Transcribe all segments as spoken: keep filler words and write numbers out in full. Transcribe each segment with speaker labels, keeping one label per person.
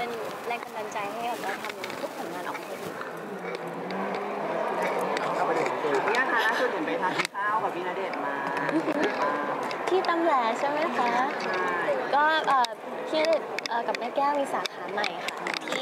Speaker 1: เป็นแรงกำลังใจให้เราทำทุกผลงานออกมาให้ดี
Speaker 2: พี่อาคะล่าสุดเห็นไปทานข้าวกับพี่ณเดชน์มา
Speaker 1: ที่ตำแหลใช่ไหมคะก็พี่ณเดชน์กับแม่แก้วมีสาขาใหม่ค่ะที่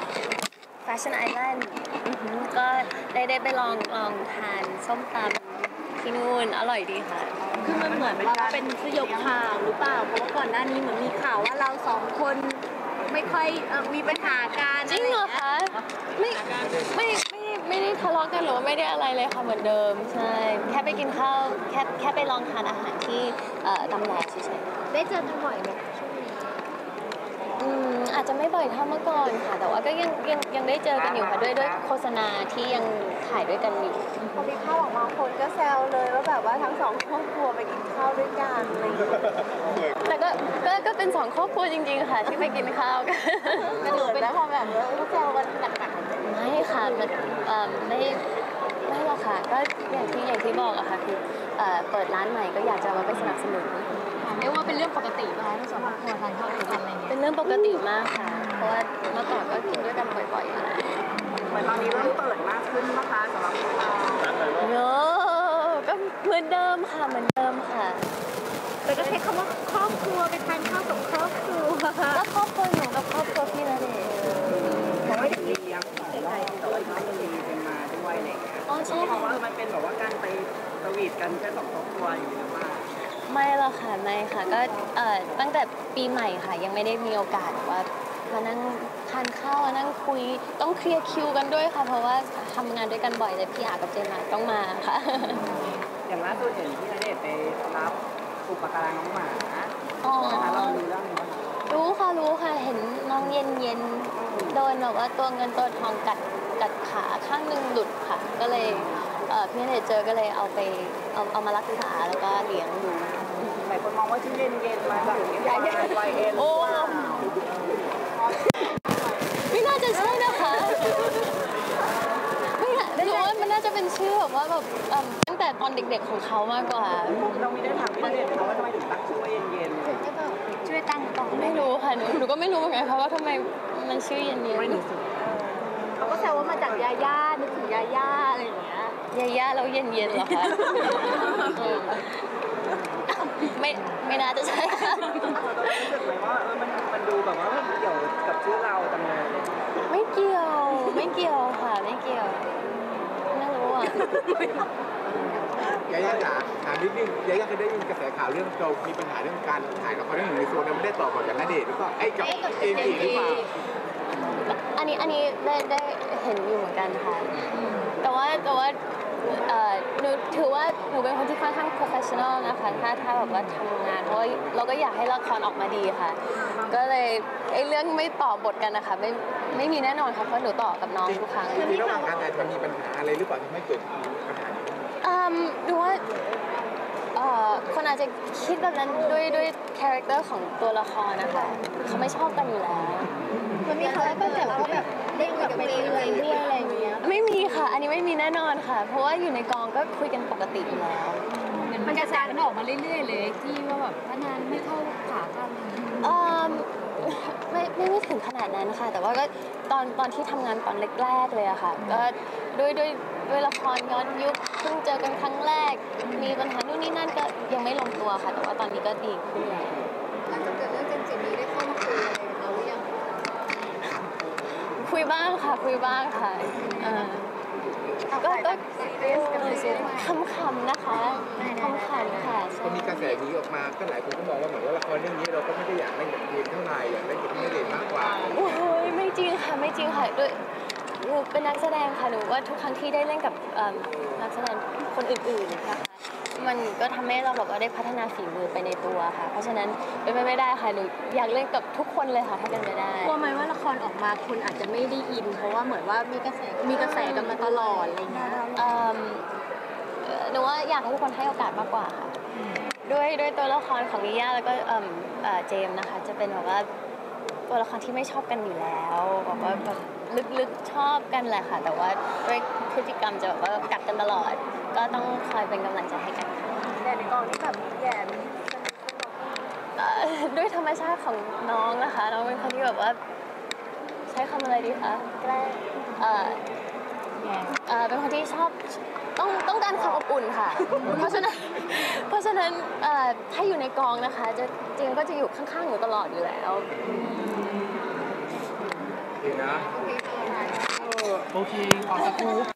Speaker 1: Fashion Island ก็ได้ได้ไปลองลองทานส้มตำที่นู่นอร่อยดีค่ะ
Speaker 3: คือมันเหมือนว่าเป็นสยบข่าวหรือเปล่าเพราะว่าก่อนหน้านี้เหมือนมีข่าวว่าเราสองคนไม่ค่อยมีปัญหาการ
Speaker 1: จริงเหรอคะไม่ไม่ไม่ไม่ได้ทะเลาะกันหรือว่าไม่ได้อะไรเลยค่ะเหมือนเดิมใช่แค่ไปกินข้าวแค่แค่ไปลองทานอาหารที่ตำแหลเฉยๆ
Speaker 3: ได้เจอกันบ่อยไหมช่วงนี้
Speaker 1: อืมอาจจะไม่บ่อยเท่าเมื่อก่อนค่ะแต่ว่าก็ยังยังยังได้เจอกันอยู่ค่ะด้วยด้วยโฆษณาที่ยังถ่ายด้วยกันอยู่
Speaker 3: พอมีภาพออกมาคนก็แซวเลยว่าแบบว่าทั้งสองครอบครัวไปกินข้าวด้วยกันอะไรอย่างเงี้ย
Speaker 1: แต่ก็ก็ก็เป็นสองครอบครัวจริงๆค่ะที่ไปกินข้าวกัน
Speaker 3: กระโดดแล้วพอแบบเขาแซวกันหนัก
Speaker 1: ๆไม่ค่ะมันไม่ไม่หรอกค่ะก็อย่างที่อย่างที่บอกอะค่ะคือเปิดร้านใหม่ก็อยากจะมาไปสนับสนุน
Speaker 3: เรียกว่าเป็นเรื่องปกติป่ะทั้งสองครอบครัวทานข้าวด้วยกันอะไรเงี้ย
Speaker 1: เป็นเรื่องปกติมากค่ะเพราะว่าเมื่อก่อนก็กินด้วยกันบ่อยๆมา
Speaker 2: เหมือนตอนนี้เริ่มเปิดมากขึ้นนะคะสำหรับเรา
Speaker 1: เนอะก็เหมือนเดิมค่ะเหมือนเดิมค่ะ
Speaker 3: แต่ก็ใช้คำว่าครอบครัวไปทานข้าวกับครอบครัว
Speaker 1: ก็ครอบครัวหนูกับครอบครัวพี่ณเดชน์
Speaker 2: เพราะว่าอย่างนี้ยังสองรอบแต่ว่าน้องมันมีเป็นมาด้วยอะไรเงี้ย
Speaker 1: อ๋อใช่
Speaker 2: เพราะว่ามันเป็นแบบว่าการไปสวีทกันแค่สองครอบครัวอยู่หรือว่า
Speaker 1: ไม่หรอกค่ะไม่ค่ะก็เอ่อตั้งแต่ปีใหม่ค่ะยังไม่ได้มีโอกาสว่ามานั่งทานข้าวมานั่งคุยต้องเคลียร์คิวกันด้วยค่ะเพราะว่าทำงานด้วยกันบ่อยเลยพี่อากับเจมส์ต้องมาค่ะ
Speaker 2: อย่างล่าสุดเห็นพี่ณเดชน์ไปรับอุปการะน้องหมาอ๋อเรารู้เรื่องนี้
Speaker 1: รู้ค่ะรู้ค่ะเห็นน้องเย็นเย็นโดนแบบว่าตัวเงินตัวทองกัดกัดขาข้างหนึ่งหลุดค่ะก็เลยพี่ณเดชน์เจอก็เลยเอาไปเอาเอามารักษาแล้วก็เลี้ยงดู
Speaker 2: หลายคนมองว่าชื่อเย็นเย็นมาจากที่วายเอ็น
Speaker 1: โอ้ไม่น่าจะใช่นะคะไม่น่าหนูว่ามันน่าจะเป็นชื่อแบบว่าแบบตั้งแต่ตอนเด็กๆของเขามากกว่า
Speaker 2: เราไม่ได้ถามพี่ณเดชน์เขาว่าทำไมถึงตั้งชื่อว่าเย็นเย็น
Speaker 3: ช่วยตั้งต่อ
Speaker 1: ไม่รู้ค่ะหนูหนูก็ไม่รู้เหมือนกันค่ะว่าทำไมมันชื่อเย็นเย็น
Speaker 3: เขาก็แซวว่ามาจากยาย่านึกถึงยาย่าอะไรอย่างเงี้ย
Speaker 1: ยาย่าแล้วเย็นเย็นเหรอคะไม่ไม่น่าจะใช่ค่ะ
Speaker 2: รู้สึกไหมว่าเออมันมันดูแบบว่าเกี่ยวกับชื่อเราจังเลย
Speaker 1: ไม่เกี่ยวไม่เกี่ยวค่ะไม่เกี่ยวไม่รู้อ่ะ
Speaker 4: ยาย่าจ๋าถามนิดนึงยาย่าเคยได้ยินกระแสข่าวเรื่องเรามีปัญหาเรื่องการถ่ายละครเรื่องหนึ่งในโซนนั้นไม่ได้ต่อก่อนกับณเดชน์หรือเปล่าไอ้กับเจมส์หรือเปล่า
Speaker 1: อันนี้อันนี้ได้ได้เห็นอยู่เหมือนกันค่ะแต่ว่าแต่ว่าหนูถือว่าหนูเป็นคนที่ค่อนข้าง professional นะคะถ้าถ้าแบบว่าทำงานเพราะว่าเราก็อยากให้ละครออกมาดีค่ะก็เลยไอ้เรื่องไม่ต่อบทกันนะคะไม่ไม่มีแน่นอนค่ะเพราะหนูต่อกับน้องทุกครั้ง
Speaker 4: ที่ระหว่างการถ่ายมันมีปัญหาอะไรหรือเปล่าที่ไม่เกิดปัญหานี้
Speaker 1: อืมดูว่าคนอาจจะคิดแบบนั้นด้วยด้วยคาแรคเตอร์ของตัวละครนะคะเขาไม่ชอบกันอยู่แล้ว
Speaker 3: มันมีเขาก็แบบว่าแบบเล่นกับไปเรื่อยด้วยอะไรอย่างเงี้ย
Speaker 1: ไม่มีค่ะอันนี้ไม่มีแน่นอนค่ะเพราะว่าอยู่ในกองก็คุยกันปกติอยู่แล้ว
Speaker 3: มันกระแสมันออกมาเรื่อยๆเลยที่ว่าแบบพนันไม่เข้าขากัน
Speaker 1: อืมไม่ไม่ไม่ถึงขนาดนั้นค่ะแต่ว่าก็ตอนตอนที่ทำงานตอนแรกๆเลยอะค่ะก็ด้วยด้วยด้วยละครย้อนยุคเพิ่งเจอกันครั้งแรกมีปัญหานู่นนี่นั่นก็ยังไม่ลงตัวค่ะแต่ว่าตอนนี้ก็ดีขึ้นแล้ว
Speaker 3: หลังจากเกิดเรื่องเจมส์จินี้ได้เข้ามาคุยอะไรกับเราหรือยัง
Speaker 1: คุยบ้างค่ะคุยบ้างค่ะก็ก็คำๆนะคะคำๆค่ะ
Speaker 4: พอมีกระแสนี้ออกมาก็หลายคนก็มองว่าเหมือนว่าละครเรื่องนี้เราก็ไม่ได้อยากได้เงินเดือนเท่าไหร่อยากได้เงินที่เด่นมากกว่า
Speaker 1: โอ้ยไม่จริงค่ะไม่จริงค่ะด้วยหนูเป็นนักแสดงค่ะหนูว่าทุกครั้งที่ได้เล่นกับนักแสดงคนอื่นๆนะคะมันก็ทำให้เราแบบว่าได้พัฒนาฝีมือไปในตัวค่ะเพราะฉะนั้นเป็นไปไม่ได้ค่ะหนูอยากเล่นกับทุกคนเลยค่ะถ้าเป็นไปได้
Speaker 3: กลัวไหมว่าละครออกมาคุณอาจจะไม่ได้อินเพราะว่าเหมือนว่ามีกระแสมีกระแสกันมาตลอดอะไรเงี้ย
Speaker 1: หนูว่าอยากให้ทุกคนให้โอกาสมากกว่าค่ะด้วยด้วยตัวละครของนิย่าแล้วก็เจมส์นะคะจะเป็นแบบว่าตัวละครที่ไม่ชอบกันอยู่แล้วบอกว่าแบบลึกๆชอบกันแหละค่ะแต่ว่าด้วยพฤติกรรมจะแบบว่ากัดกันตลอดก็ต้องคอยเป็นกำลังใจให้กันค่ะ
Speaker 3: แต่ในกองนี้แบบแย่
Speaker 1: ด้วยธรรมชาติของน้องนะคะน้องเป็นคนที่แบบว่าใช้คำอะไรดีคะแกล้งเอ่อเอ่อเป็นคนที่ชอบต้องต้องการความอบอุ่นค่ะ เพราะฉะนั้นเพราะฉะนั้นเอ่อถ้าอยู่ในกองนะคะจะจริงก็จะอยู่ข้างๆหนูตลอดอยู่แล้ว
Speaker 4: ดีนะ
Speaker 5: โอเคขอสกู๊ป